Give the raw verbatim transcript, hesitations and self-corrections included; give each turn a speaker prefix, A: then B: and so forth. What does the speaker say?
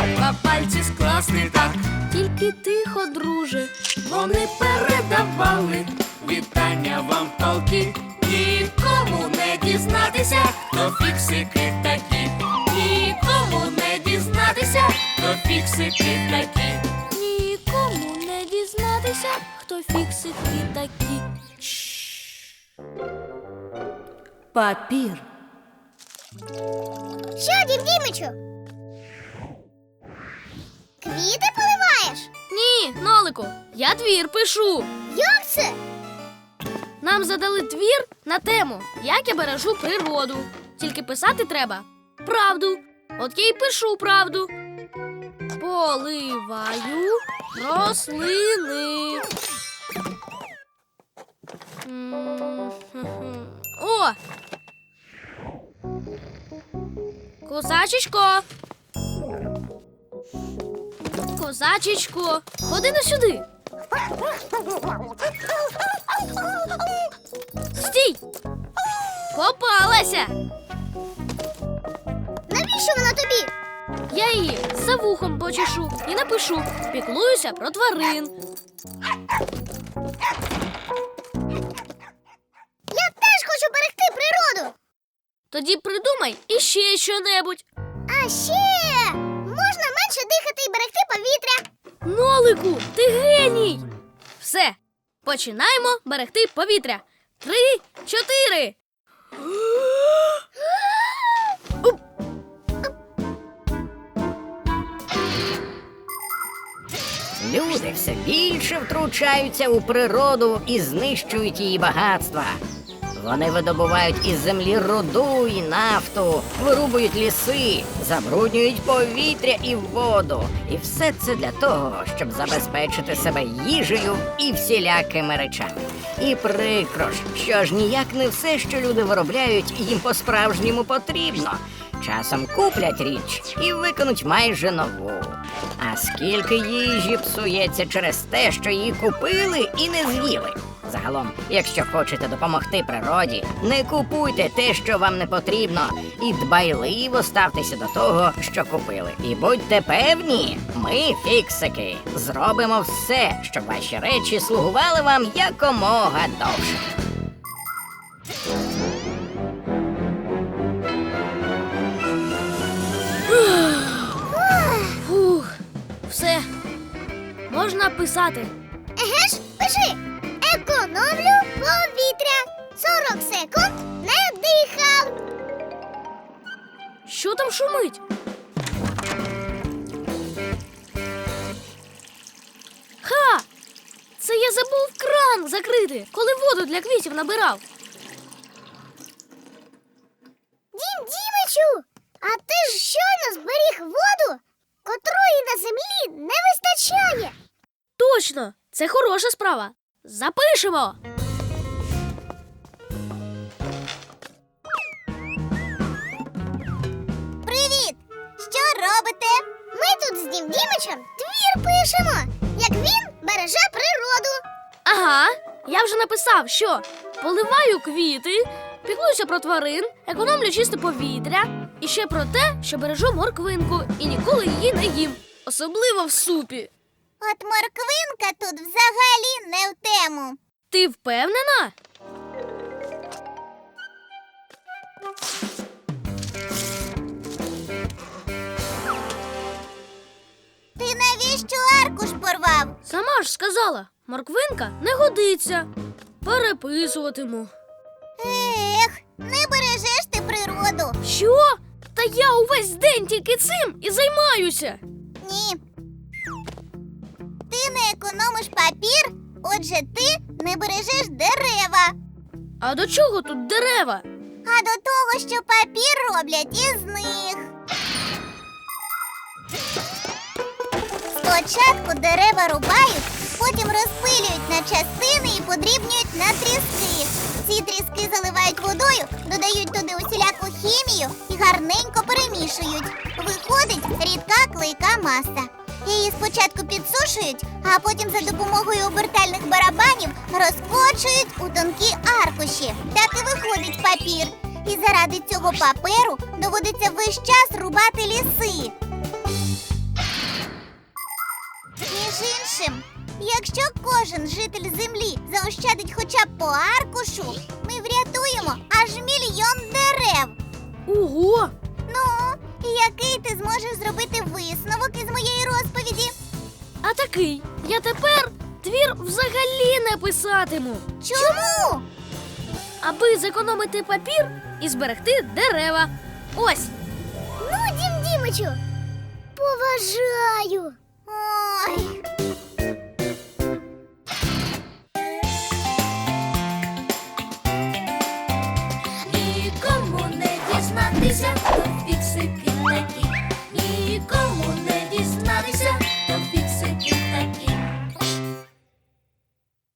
A: Треба пальці скласти так.
B: Тільки тихо, друже.
A: Вони передавали вітання вам полки. Нікому не дізнатися, хто фіксики такі. Нікому не дізнатися, хто фіксики такі.
B: Нікому не дізнатися, хто фіксики такі.
C: Папір.
D: Що, Дім Дімичу? Квіти поливаєш?
B: Ні, Нолику, я твір пишу.
D: Як це?
B: Нам задали твір на тему «Як я бережу природу». Тільки писати треба правду. От я й пишу правду. Поливаю рослини. М-м-м. О! Козачечко! Козачечко, ходи на сюди. Стій! Попалася!
D: Навіщо вона тобі?
B: Я її за вухом почешу і напишу «Піклуюся про тварин».
D: Я теж хочу берегти природу.
B: Тоді придумай іще що-небудь.
D: А ще можна менше дихати і берегти повітря.
B: Нолику, ти геній! Все, починаємо берегти повітря. Три, чотири.
E: Люди все більше втручаються у природу і знищують її багатства. Вони видобувають із землі руду і нафту, вирубують ліси, забруднюють повітря і воду. І все це для того, щоб забезпечити себе їжею і всілякими речами. І прикро ж, що ж ніяк не все, що люди виробляють, їм по-справжньому потрібно. Часом куплять річ і виконуть майже нову. А скільки їжі псується через те, що її купили і не з'їли. Загалом, якщо хочете допомогти природі, не купуйте те, що вам не потрібно, і дбайливо ставтеся до того, що купили. І будьте певні, ми, фіксики, зробимо все, щоб ваші речі слугували вам якомога довше.
B: Фух, все, можна писати.
D: Еге ж, пиши. Економлю повітря. сорок секунд не дихав.
B: Що там шумить? Ха! Це я забув кран закрити, коли воду для квітів набирав.
D: Дім Дімичу, а ти ж щойно зберіг воду, котрої на землі не вистачає.
B: Точно, це хороша справа. Запишемо.
D: Привіт! Що робите? Ми тут з Дім Дімичем твір пишемо, як він береже природу.
B: Ага, я вже написав, що поливаю квіти, піклуюся про тварин, економлю чисте повітря і ще про те, що бережу морквинку і ніколи її не їм, особливо в супі.
D: От морквинка тут взагалі не в тему.
B: Ти впевнена?
D: Ти навіщо аркуш порвав?
B: Сама ж сказала, морквинка не годиться. Переписуватиму.
D: Ех, не бережеш ти природу.
B: Що? Та я увесь день тільки цим і займаюся.
D: Ні. Ти не економиш папір, отже ти не бережеш дерева.
B: А до чого тут дерева?
D: А до того, що папір роблять із них. Спочатку дерева рубають, потім розпилюють на частини і подрібнюють на тріски. Ці тріски заливають водою, додають туди усіляку хімію і гарненько перемішують. Виходить рідка клейка маса. Її спочатку підсушують, а потім за допомогою обертальних барабанів розкочують у тонкі аркуші. Так і виходить папір. І заради цього паперу доводиться весь час рубати ліси. іншим. Якщо кожен житель землі заощадить хоча б по аркушу, ми врятуємо аж мільйон дерев.
B: Ого!
D: Ну, і який ти зможеш зробити висновок із моєї розповіді?
B: А такий, я тепер твір взагалі не писатиму,
D: Чому?
B: аби зекономити папір і зберегти дерева. Ось.
D: Ну, Дім Дімичу, поважаю. Ой.
A: Нікому не дізнатися, хто фіксики такі. Нікому не дізнатися,